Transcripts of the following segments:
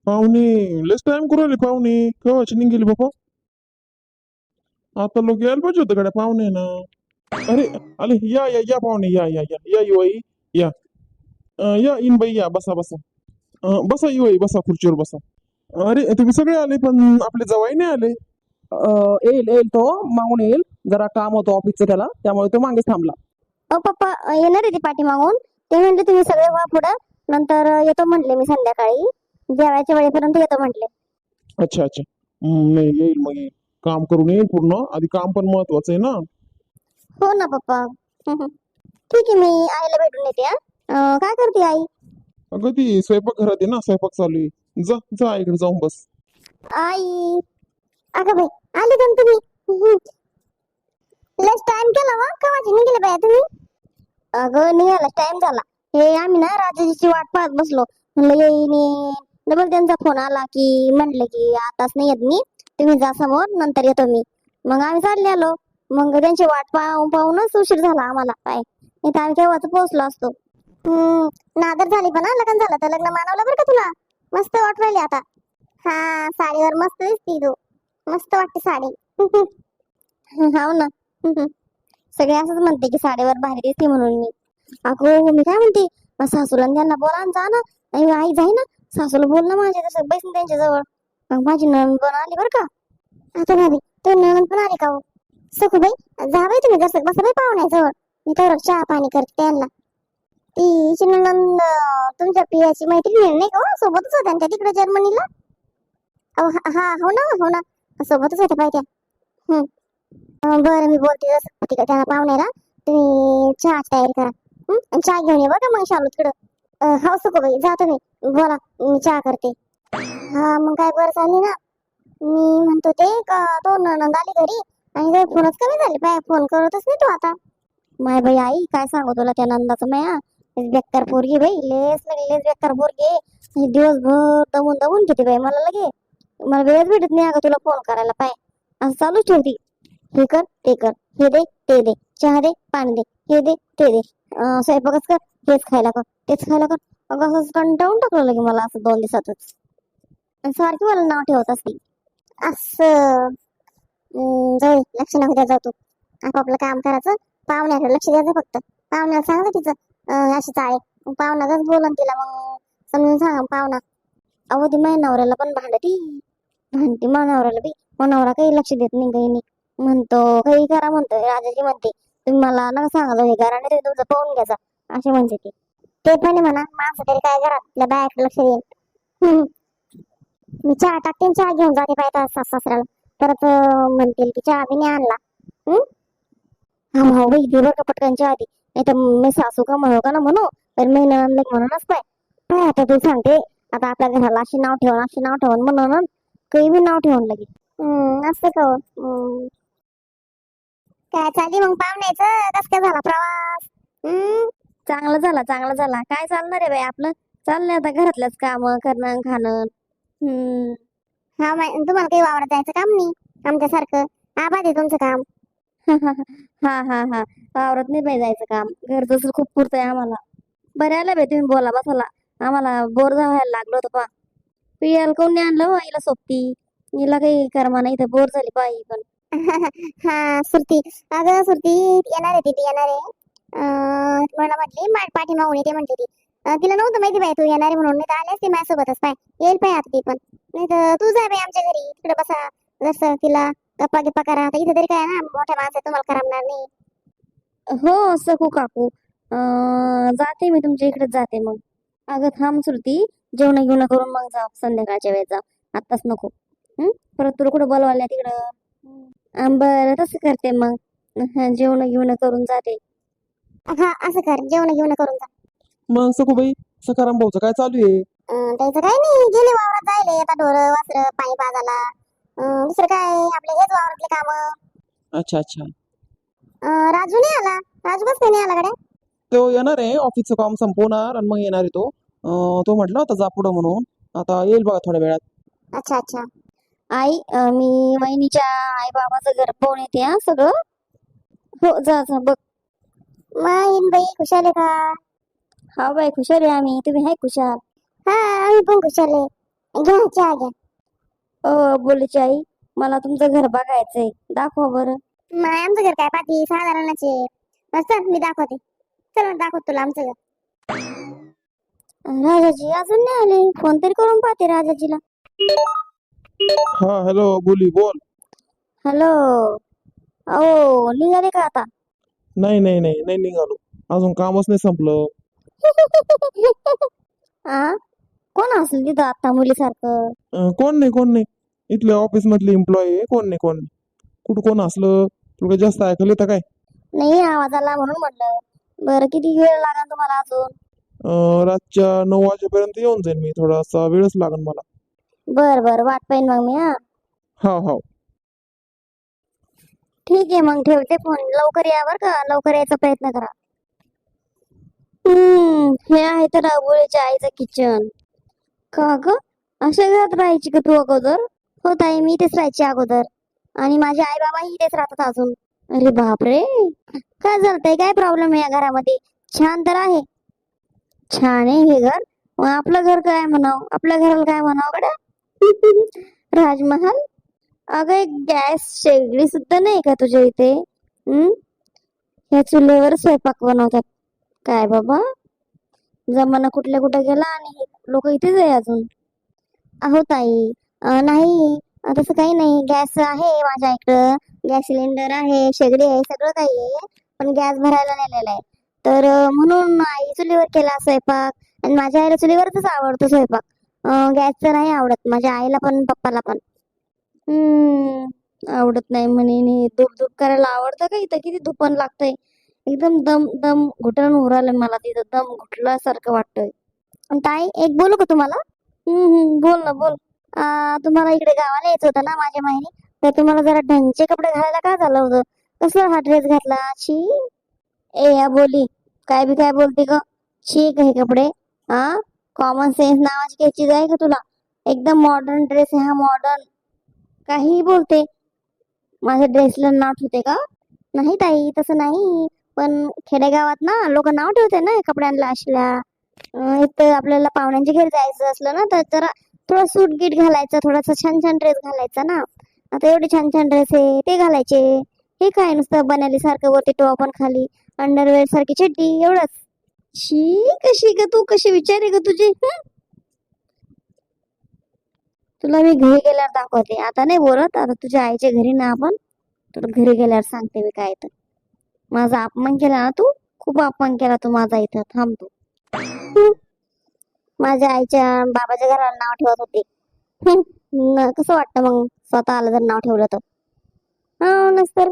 पाहुणे लेस टाइम करू राहिले पाहुणे केव्हाची निघेली बाबा. आता लोक यायला पाहिजे होतं गड्या पाहुणे ना. अरे अरे या या या पाहुणे या या या या युवाई या. या इन बाई या बसा बसा. बसा युवाई बसा खुर्चीवर बसा. अरे तुम्ही सगळे आले पण आपले जवाई नाही आले. येईल येईल तो मागून येईल. जरा काम होतं ऑफिसचं त्याला त्यामुळे तो मागेच थांबला. पप्पा येणार आहे ते पाठीमागून. ते म्हणले तुम्ही सगळे व्हा पुढं, नंतर येतो म्हटले मी संध्याकाळी जेवायच्या वेळेपर्यंत येतो म्हटले. अच्छा अच्छा. नाही येईल मग येईल. काम करून येईल पूर्ण आधी काम पण महत्वाचं आहे ना. हो ना पप्पा. ठीक आहे, मी आईला भेटून येते. काय करते आई? अगं ती स्वयंपाक घरात आहे ना स्वयंपाक चालू आहे. जा जा इकडे जाऊन बस. आई, अगं बाई, आले का तुम्ही? लस टाइम केला वा कवाची निघाले बाया तुम्ही? अगं निघाला टाइम झाला. हे आम्ही ना राजाची वाट पाहत बसलो. म्हणलं येईन डबल त्यांचा फोन आला की म्हणले की आताच नाही येत मी, तुम्ही जा समोर नंतर येतो मी. मग आम्ही चालले आलो. मग त्यांची वाट पाहून पाहूनच उशीर झाला आम्हाला. काय इथं आम्ही केव्हाच पोहोचलो असतो. नादर झाली पण लग्न झालं तर लग्न मानवलं बरं का तुला. मस्त वाट राहिली आता. हा साडीवर मस्त दिसती तू. मस्त वाटते साडी. हाव ना. सगळे असंच म्हणते की साडीवर भारी दिसते म्हणून मी. अगो मी काय म्हणते, मग सासूला आणि त्यांना बोला आणि जा ना. नाही आई जाई ना, सासूला बोल ना माझ्या तसं बैसून त्यांच्या जवळ. मग माझी नणंद पण आली बरं का. आता भाभी तो नणंद पण आली का हो? सखूबाई जा बाई तुम्ही जसं बसा बाई पाहुण्याजवळ. मी तर चहा पाणी करते त्यांना. ती नणंद तुमच्या पियाची मैत्रीण नाही का हो? सोबतच होत्या ना त्या तिकडे जर्मनीला. अहो हा हो ना हो ना, सोबतच होत्या पाहिजे. बरं मी बोलते जसं तिकडे त्यांना पाहुण्याला. तुम्ही चहा तयारी करा. आणि चहा घेऊन ये बघा मग शालू तिकडं. हो सखूबाई जा तुम्ही बोला, मी चहा करते. हा मग काय बरं चालली ना. मी म्हणतो ते का तो नणंद आली घरी आणि काही फोनच कमी झाले पाय, फोन करतच नाही तू आता. माय बाई आई काय सांगू तुला त्या नंदाचं माया. बेकार पोरगी बाई, लेस बेकार पोरगी आहे. दिवसभर दमून दमून घेते बाई मला लगे. मला वेळच भेटत नाही अगं तुला फोन करायला पाय. असं चालूच ठेवती. हे कर ते कर, हे दे ते दे, चहा दे पाणी दे, हे दे ते दे, स्वयंपाकच कर, हेच खायला कर तेच खायला कर. अगं असं कंटाळून टाकलं लगे मला असं 2 दिवसातच. आणि सारखी मला नाव ठेवत असते असं. जाऊ दे, लक्ष नको द्या जाऊ तू. आपापलं काम करायचं, पाहुण्याकडे लक्ष द्यायचं फक्त. पाहुण्याला सांगायचं तिचं अशी चाळे पाहुणाच बोलन तिला मग समजून सांगा पाहुणा. अहो ती माझ्या नवऱ्याला पण भांडती भांडती माझ्या नवऱ्याला बी. मग नवरा काही लक्ष देत नाही काही नाही. म्हणतो काही करा म्हणतो राजाजी म्हणते तुम्ही मला नका सांगा हे करा नाही तुमचं पाहून घ्यायचा असे म्हणते ते पण आहे म्हणा. माणसं तरी काय करा आपल्या बायाकडे लक्ष देईल. मी चहा टाकते आणि चहा घेऊन जाते पाहिजे सासऱ्याला. परत म्हणतील की चहा बी नाही आणला. हा भाऊ बाई दे बरं का पटकन चहा दे, नाही तर मी सासू का म्हणू का ना म्हणू तर मी नंद म्हणूनच पाय. काय आता तू सांगते आता आपल्या घराला अशी नाव ठेवून अशी नाव ठेवून म्हणून काही बी नाव ठेवून लगे. असं का काय चालली मग पाहुण्याचं कस काय झाला प्रवास? चांगला झाला चांगला झाला. काय चालणार आहे बाई आपलं, चाललंय आता घरातलंच काम करणं खाणं. हा तुम्हाला काही वावरात जायचं काम नाही आमच्यासारखं. आबाद आहे तुमचं काम. हा हा हा, वावरात नाही बाई जायचं काम, घरचं खूप पुरतंय आम्हाला. बरं आलं बाई तुम्ही बोला बसाला. आम्हाला बोर व्हायला लागलं होतं पा. पियाला कोण नाही आणलं हिला सोबती. हिला काही कर्मा नाही तर बोर झाली पाहिजे पण. हा सुरती, अगं सुरती येणार आहे ती येणार आहे. मला म्हटली पाठीमागून येते म्हणते ती. तिला नव्हतं माहिती बाई तू येणार आहे म्हणून, नाही तर आले असते माझ्यासोबतच पाय. येईल पाय आता ती पण. नाही तर तू जा बाई आमच्या घरी तिकडे बसा जसं तिला गप्पा गिप्पा करा. आता इथे तरी काय ना मोठ्या माणसं तुम्हाला करमणार नाही. हो सखू काकू, जाते मी तुमच्या इकडे जाते मग. अगं थांब सुरती, जेवण घेऊन करून मग जाऊ संध्याकाळच्या वेळेस जाऊ, आत्ताच नको. परत तुला कुठं बोलवायला तिकडं. बरं तसं करते मग. जेवण घेऊन करून जाते. हा असं कर, जेवण घेऊन करून जा. मग सखूबाई सखाराम भाऊचं काय चालू आहे? त्याचं काय नाही, गेले वावरात जायले आता ढोरं वासरं पाणी पाजायला. दुसरं काय आपले हेच वावरातले काम. अच्छा अच्छा. राजू नाही आला. राजू कस काय नाही आला गड्या? तो येणार आहे ऑफिसचं काम संपवणार आणि मग येणार आहे तो. तो म्हटला होता जा पुढं म्हणून. आता येईल बघा थोड्या वेळात. अच्छा अच्छा. आई मी वहिनीच्या आई बाबाचं घर पाहून येते हा सगळं. हो जा जा बघ. मग बाई खुशाल आहे का? हा बाई खुशाल आहे आम्ही, तुम्ही आहे खुशाल? हा आम्ही पण खुशाल आहे. घ्या चहा घ्या. बोलीची आई, मला तुमचं घर बघायचंय, दाखवा बरं. नाही आमचं घर काय पाठी साधारणच आहे. चल मी दाखवते. चल दाखवतो तुला आमचं घर. राजाजी अजून नाही आले, फोन तरी करून पाहते राजाजीला. हा हॅलो बोली बोल. हॅलो. अहो निघाले का आता? नाही नाही नाही नाही निघालो, अजून कामच नाही संपलं. आ कोण असेल तिथं आता मुलीसारखं? कोण नाही इथले ऑफिस मधले एम्प्लॉई आहे. कोण नाही कुठं कोण असलं तुला काही जास्त ऐकलं येतं काय? नाही आवाज आला म्हणून म्हटलं. बरं किती वेळ लागेल तुम्हाला अजून? रातच्या 9 वाजेपर्यंत येऊन जाईन मी, थोडासा वेळच लागेल मला. बर वाट पाहिन मग मी. हो ठीक आहे मग ठेवते फोन. लवकर या बर का, लवकर यायचा प्रयत्न करा. हे आहे तर राबोळीच्या आईचं किचन. का ग अशा घरात राहायची का तू अगोदर? हो ताई, मी इथेच राहायची अगोदर, आणि माझे आई बाबा इथेच राहतात अजून. अरे बापरे, काय झालंय? काय प्रॉब्लेम आहे या घरामध्ये? छान तर आहे. छान आहे हे घर, मग आपलं घर काय म्हणावं? आपल्या घराला काय म्हणावं कडे? राजमहाल? अगं एक गॅस शेगडी सुद्धा नाही का तुझ्या इथे? ह्या चुलीवर स्वयंपाक बनवतात काय बाबा? जमाना कुठल्या कुठे गेला आणि लोक इथेच आहे अजून. अहो ताई, नाही तसं काही नाही. गॅस आहे माझ्या इकडं, गॅस सिलेंडर आहे, शेगडी आहे, सगळं काही आहे. पण गॅस भरायला नेलेला आहे, तर म्हणून आई चुलीवर केला स्वयंपाक. आणि माझ्या आईला चुलीवरच आवडतो स्वयंपाक. गॅसचं नाही आवडत माझ्या आईला पण पप्पाला पण. आवडत नाही म्हणे. धूप धूप करायला आवडतं का? इथं किती धुपण लागतंय. एकदम दम दम घुटण उरालं मला, तिथं दम घुटल्यासारखं वाटतंय. ताई एक बोलू का तुम्हाला? बोल ना बोल. तुम्हाला इकडे गावाला यायचं होतं ना माझ्या माहेरी, तर तुम्हाला जरा ढंगचे कपडे घालायला काय झालं होतं? कसला हा ड्रेस घातला? शी. ए या बोली, काय बी काय बोलते ग? शी हे कपडे. कॉमन सेन्स नावाची काही चीज आहे का तुला? एकदम मॉडर्न ड्रेस आहे हा, मॉडर्न. काहीही बोलते. माझ्या ड्रेसला नाव ठेवते का? नाही ताई तसं नाही, पण खेडेगावात ना लोक नाव ठेवते ना कपड्यांना असल्या. इथं आपल्याला पाहुण्यांच्या घरी जायचं असलं ना, तर जरा थोडं सूट गीट घालायचं, थोडासा छान छान ड्रेस घालायचा ना. आता एवढे छान छान ड्रेस आहे ते घालायचे. हे काय नुसतं बनाली सारखं वरती टॉप आणि खाली अंडरवेअर सारखी चड्डी, एवढंच. शी कशी ग तू, कशी विचार आहे ग तुझी? तुला मी घरी गेल्यावर दाखवते, आता नाही बोलत. आता तुझ्या आईच्या घरी ना आपण, तुला घरी गेल्यावर सांगते मी काय तर. माझा अपमान केला ना तू, खूप अपमान केला तू माझा इथं. थांबतो. माझ्या आईच्या बाबाच्या घराला नाव ठेवत होते. कसं वाटतं मग स्वतःला जर नाव ठेवलं तर? नसतर.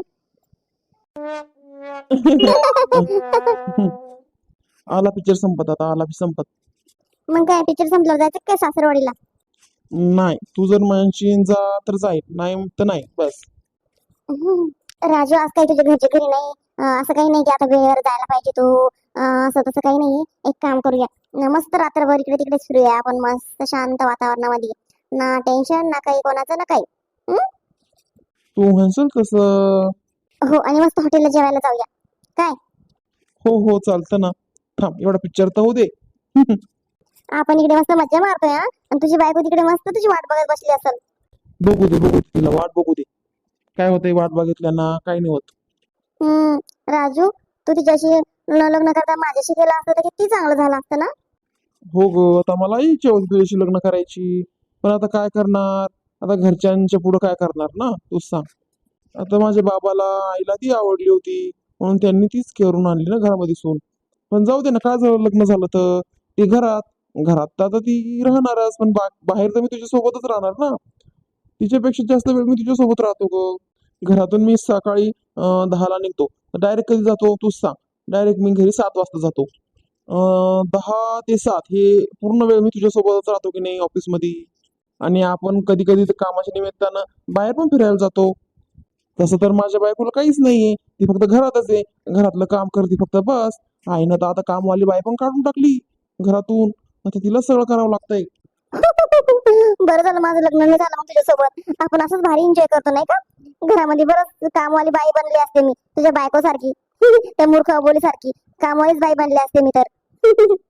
आला पिक्चर संपत, आता आला संपत. मग काय पिक्चर संपल्यावर जायचं काय सासरवाडीला? नाही, तू जर म्हणशील जा तर जाईल, नाही तर नाही बस. राजू आज काही तुझ्या घरच्या घरी नाही. असं काही नाही की आता वेळेवर जायला पाहिजे तू. असं तसं काही नाही. एक काम करूया, मस्त रात्रभर इकडे तिकडे फिरूया आपण, मस्त शांत वातावरणामध्ये. ना टेन्शन ना काही कोणाचं ना काही. तू म्हणशील तसं. हो, आणि मस्त हॉटेलला जेवायला जाऊया. काय? हो चालतं ना. थांब, एवढा पिक्चर तर होऊ दे. आपण इकडे मस्त मज्जा मारतोय आणि तुझी बायको तिकडे मस्त तुझी वाट बघत बसली असेल. बघू दे तिला वाट बघू दे. काय होतंय वाट बघितल्याना? काही नाही होत. राजू, तू तिच्याशी लग्न करता माझ्याशी केलं असतं तर किती चांगलं झालं असतं ना. हो ग, आता मला इच्छा होती तुझ्याशी लग्न करायची, पण आता काय करणार? आता घरच्यांच्या पुढे काय करणार ना, तूच सांग. आता माझ्या बाबाला आईला ती आवडली होती, म्हणून त्यांनी तीच करून आणली ना घरामध्ये सून. पण जाऊ दे ना, काय झालं लग्न झालं तर? ती घरात तर आता ती राहणारच, पण बाहेर तर मी तुझ्या सोबतच राहणार ना. तिच्यापेक्षा जास्त वेळ मी तुझ्या सोबत राहतो ग. घरातून मी सकाळी 10ला निघतो, तर डायरेक्ट कधी जातो तूच सांग. डायरेक्ट मी घरी 7 वाजता जातो. 10 ते 7 हे पूर्ण वेळ मी तुझ्यासोबतच राहतो की नाही ऑफिसमध्ये. आणि आपण कधी कधी कामाच्या निमित्तानं बाहेर पण फिरायला जातो. तसं तर माझ्या बायकोला काहीच नाहीये, ती फक्त घरातच आहे, घरातलं काम करते फक्त बस. आईनं तर आता कामवाली बाई पण काढून टाकली घरातून, आता तिला सगळं करावं लागतंय. बरं झालं माझं लग्न नाही झालं मग तुझ्यासोबत. आपण असंच भारी एन्जॉय करतो नाही का? घरामध्ये बरंच कामवाली बाई बनली असते मी तुझ्या बायको सारखी. त्या मूर्ख अबोली सारखी कामवालीच बाई बनली असते मी तर.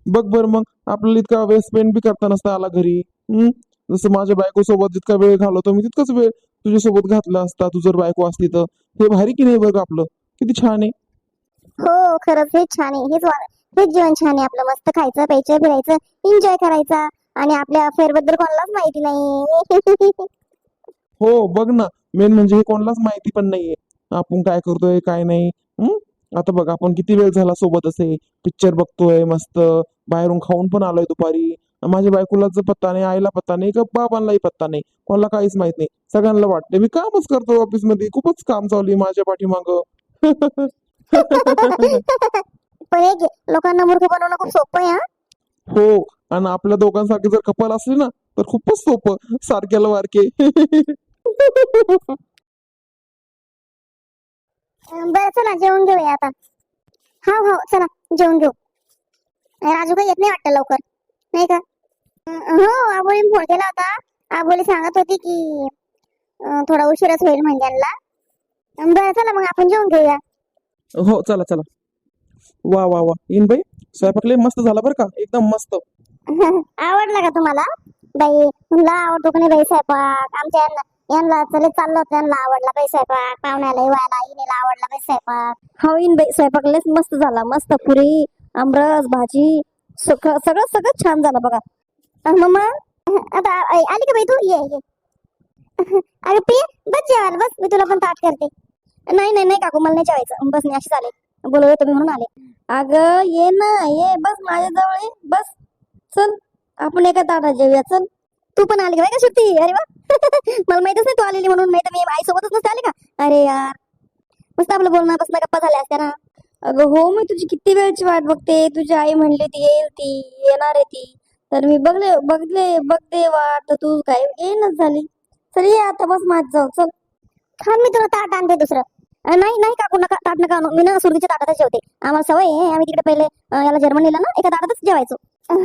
बघ बरं मग आपल्याला इतका वेळ स्पेंड बी करता नसता आला घरी. जसं माझ्या बायको सोबत जितका वेळ घालवतो मी तितकाच वेळ तुझ्यासोबत घातला असता तू जर बायको असती तर. हे भारी की नाही बघ आपलं किती छान आहे. हो खरंच हेच छान आहे. हेच जीवन छान आहे आपलं. मस्त खायचं प्यायचं फिरायचं एन्जॉय करायचा आणि आपल्या अफेअर बद्दल कोणालाच माहिती नाही. हो बघ ना, मेन म्हणजे हे कोणालाच माहिती पण नाहीये आपण काय करतोय काय नाही. आता बघ आपण किती वेळ झाला सोबत असे पिक्चर बघतोय मस्त, बाहेरून खाऊन पण आलोय दुपारी. माझ्या बायकोलाच पत्ता नाही, आईला पत्ता नाही, का बाबांनाही पत्ता नाही, कोणाला काहीच माहित नाही. सगळ्यांना वाटतं मी कामच करतो ऑफिस मध्ये, खूपच काम चालू आहे माझ्या पाठीमाग. पण एक आहे, लोकांना मूर्ख बनवणं खूप सोपं आहे हा. हो, आणि आपल्या दोघांसारखे जर कपल असले ना तर खूपच सोपं, सारख्याला वारके. बरं चला जेवण घेऊया आता. हा हो चला जेवण घेऊ. राजू काही येत नाही वाटतं लवकर, नाही का? हो आबोलीने फोन केला होता. आबोली सांगत होती की थोडा उशीरच होईल म्हणजे यांना. बरं चला मग आपण जेवण घेऊया. हो चला चला. वा वा वा इन बाई, स्वयंपाक लय मस्त झाला बरं का, एकदम मस्त. आवडला का तुम्हाला? बाई तुला आवडतो का नाही बाई स्वयंपाक? आमच्या यांना चले चाललं होतं, यांना आवडला बाई स्वयंपाक. पाहुण्याला येवायला इनेला आवडला बाई स्वयंपाक. हवीन बाई स्वयंपाक लयच मस्त झाला. मस्त पुरी आमरस भाजी सगळं सगळं छान झालं बघा. मम्मा आता आली का बाई तू? ये ये. अरे प्रिय बस जेवायला बस, मी तुला पण ताट करते. नाही नाही नाही काकू मला नाही जेवायचं. बस मी अशीच आले, बोलवलं तुम्ही म्हणून आले. अगं ये ना ये, बस माझ्या जवळ ये बस. चल आपण एका ताटात जेवूया चल. तू पण आली का बाई का सुट्टी? अरे वा. मला माहितच नाही तू आलेली म्हणून, नाही तर मी आई सोबतच नसते आले का. अरे यार मस्त आपलं बोलणं बसणं गप्पा झाल्या असत्या ना. अगं हो मी तुझी किती वेळची वाट बघते. तुझी आई म्हणली ती येईल, ती येणार आहे ती. तर मी बघते वाट, तर तू काय येईनच झाली. चल ये आता बस माझ जाऊ चल. थांब मी तुला ताट आणते दुसरं. नाही नाही काकू नका ताट नका आणू. मी ना सुरतीच्या ताटातच जेवते. आम्हाला सवय आहे. आम्ही तिकडे पहिले याला जर्मनीला ना एका ताटातच जेवायचो.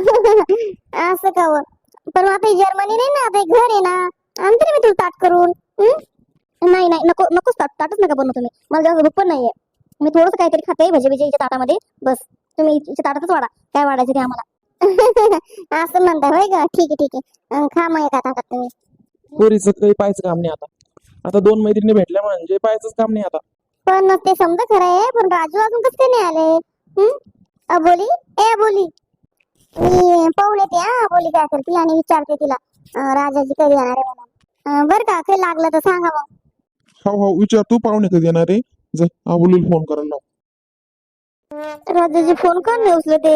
असं का व? पण मग आता ही जर्मनी नाही ना, आता हे घर आहे ना. आणते ना मी तुला ताट करून. नाही नाही नको नकोच ताटच नका बनवू तुम्ही. मला जास्त भूक पण नाहीये. मी थोडंसं काहीतरी खाते भजे भजे हिच्या ताटामध्ये. बस तुम्ही हिच्या ताटातच वाढा काय वाढायचं ते आम्हाला. असं म्हणता होय का? ठीक आहे ठीक आहे. खा मग एका ताटात तुम्ही. पोरीचं काही पाहायचं काम नाही आता. आता 2 मैत्रिणी भेटल्या म्हणजे पाहायचंच काम नाही आता. पण ते समजा खरं आहे, पण राजू अजून कसं काय नाही आले? अबोली ए अबोली, मी पाहून येते हा अबोली काय करते आणि विचारते तिला राजाजी कधी येणार आहे म्हणून. बरं का काही लागलं तर सांगा मग. हो हो विचार, तू पाहुणे कधी येणार आहे? जा आबोलीला फोन करायला लाव. राजाजी फोन का नाही उचलते?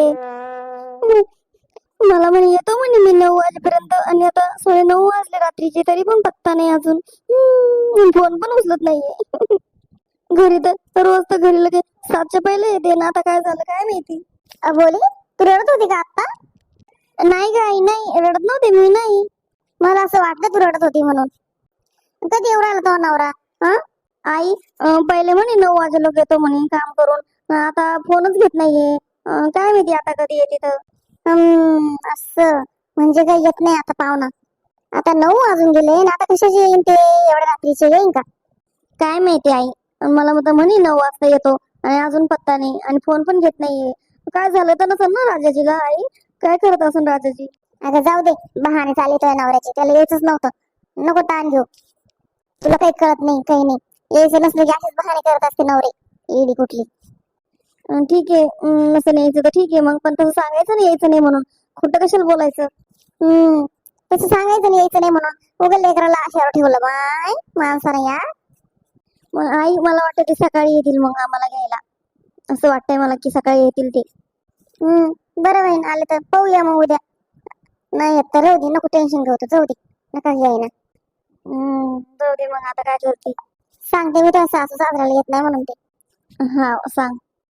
मला म्हणे येतो म्हणे मी 9 वाजेपर्यंत, आणि आता 9:30 वाजले रात्रीचे तरी पण पत्ता नाही अजून. फोन पण उचलत नाहीये. घरी तर रोज तर घरी लगे 7च्या पहिले येते ना, आता काय झालं काय माहिती. अबोली तू रडत होती का आता? नाही गाई नाही रडत नव्हते मी नाही. मला असं वाटलं तू रडत होती म्हणून. कधी येऊ राहिला तो नवरा? हा आई पहिले म्हणे 9 वाजे लोक येतो म्हणे काम करून, आता फोनच घेत नाहीये. काय माहिती आता कधी येते तर. असं म्हणजे काही येत नाही आता पाहुणा. आता 9 वाजून गेले ना, आता कशाचे येईन ते एवढ्या रात्रीचे येईन का? काय माहिती आई. मला तर म्हणे 9 वाजता येतो आणि अजून पत्ता नाही आणि फोन पण घेत नाहीये. काय झालं तर नसेल ना राजाजीला? आई काय करत असेल राजाजी? अगं जाऊ दे, बहाणे चालले तुझ्या नवऱ्याचे. त्याला यायचंच नव्हतं. नको ताण घेऊ. तुला काही कळत नाही काही नाही. यायचं नसलं की असेच बहाणे करत असते नवरे, येडी कुठली. ठीक आहे नसेल यायचं तर ठीक आहे मग, पण तसं सांगायचं नाही यायचं नाही म्हणून. खोटं कशाला बोलायचं? तसं सांगायचं नाही यायचं नाही म्हणून. उगाच लेकराला आशावर ठेवलं बाय माणसाने या. मग आई मला वाटतं ते सकाळी येतील मग आम्हाला घ्यायला. असं वाटतंय मला की सकाळी येतील ते. बरं बहीण आले तर पाहूया मग उद्या. नाही येत तर राहू दे, नको टेन्शन घेऊ. जाऊ दे नका घ्यायला. जाऊ दे मग आता काय करते. सांगते मी तुझ्या सासू सासऱ्याला येत नाही म्हणून ते. हा सांग.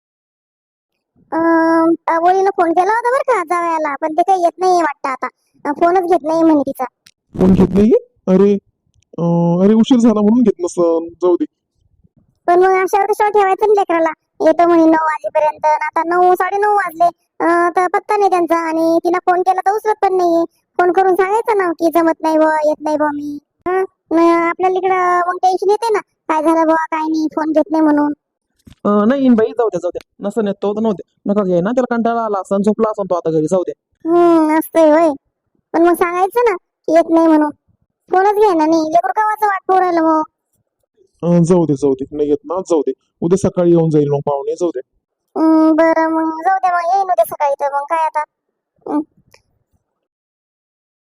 अबोलीनं फोन केला होता बरं का जावयाला, पण ते काही येत नाही वाटतं आता. फोनच घेत नाही म्हणे तिचा. फोन घेत नाहीये? अरे अरे उशीर झाला म्हणून घेत नसन, जाऊ दे. पण मग अशावर कशावर ठेवायचं ना लेकराला? येतो म्हणे 9 वाजेपर्यंत, आता 9 9:30 वाजले. तर पत्ता नाही त्यांचा, आणि तिला फोन केला तर उचलत पण नाहीये. फोन करून सांगायचं ना की जमत नाही बुवा, येत नाही बुवा मी. आपल्याला इकडं मग टेन्शन येते ना, काय झालं बुवा काय नाही, फोन घेत नाही म्हणून. नाही इन बाई जाऊ द्या नसन येत तो तर नव्हते नका घे ना त्याला कंटाळा आला असं झोपला असं तो आता घरी जाऊ द्या. असतंय होय. पण मग सांगायचं ना की येत नाही म्हणून. फोनच घे ना नाही लेकरू कावाचं वाट पाहू राहिलं मग. जाऊ दे नाही येत ना जाऊ दे उद्या सकाळी येऊन जाईल मग पाहुणे जाऊ दे. बरं मग जाऊ दे मग येईन उद्या सकाळी तर मग काय आता.